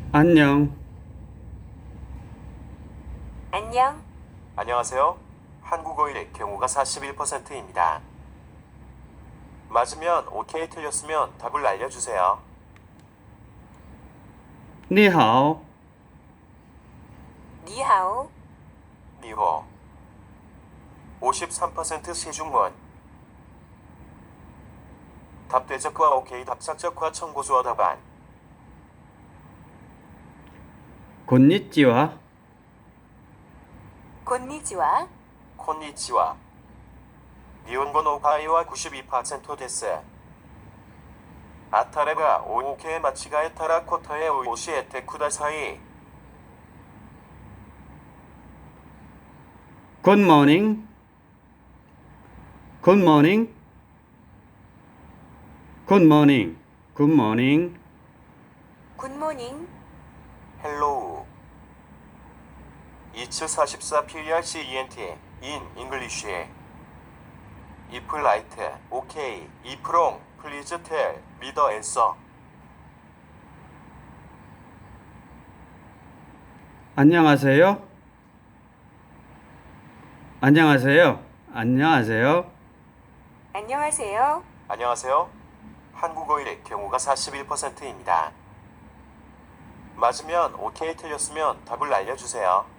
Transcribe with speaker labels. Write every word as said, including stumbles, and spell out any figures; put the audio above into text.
Speaker 1: 안녕.
Speaker 2: 안녕.
Speaker 3: 안녕하세요. 한국어의 경우가 사십일 퍼센트입니다. 맞으면 오케이, 틀렸으면 답을 알려주세요.
Speaker 1: 你好.
Speaker 2: 니하오.
Speaker 3: 니호. 오십삼 퍼센트 시중원. 답대적과 오케이, 답착적과 청고주어 답안.
Speaker 1: 곤니찌와.
Speaker 2: 곤니지와.
Speaker 3: 콘니치와. 니온곤 오파이와 구십이 퍼센트 데스. 아타레가 오케이 마치가에 타라 코터의 오시 에테쿠다사이.
Speaker 1: Good morning. Good morning. Good morning. Good morning.
Speaker 2: 굿모닝.
Speaker 3: 헬로우. 이츠 사십사 피알시이엔티 in English. if right, okay, if wrong, please tell me the answer.
Speaker 1: 안녕하세요. 안녕하세요. 안녕하세요.
Speaker 2: 안녕하세요.
Speaker 3: 안녕하세요. 한국어의 경우가 사십일 퍼센트입니다. 맞으면 오케이, 틀렸으면 답을 알려주세요.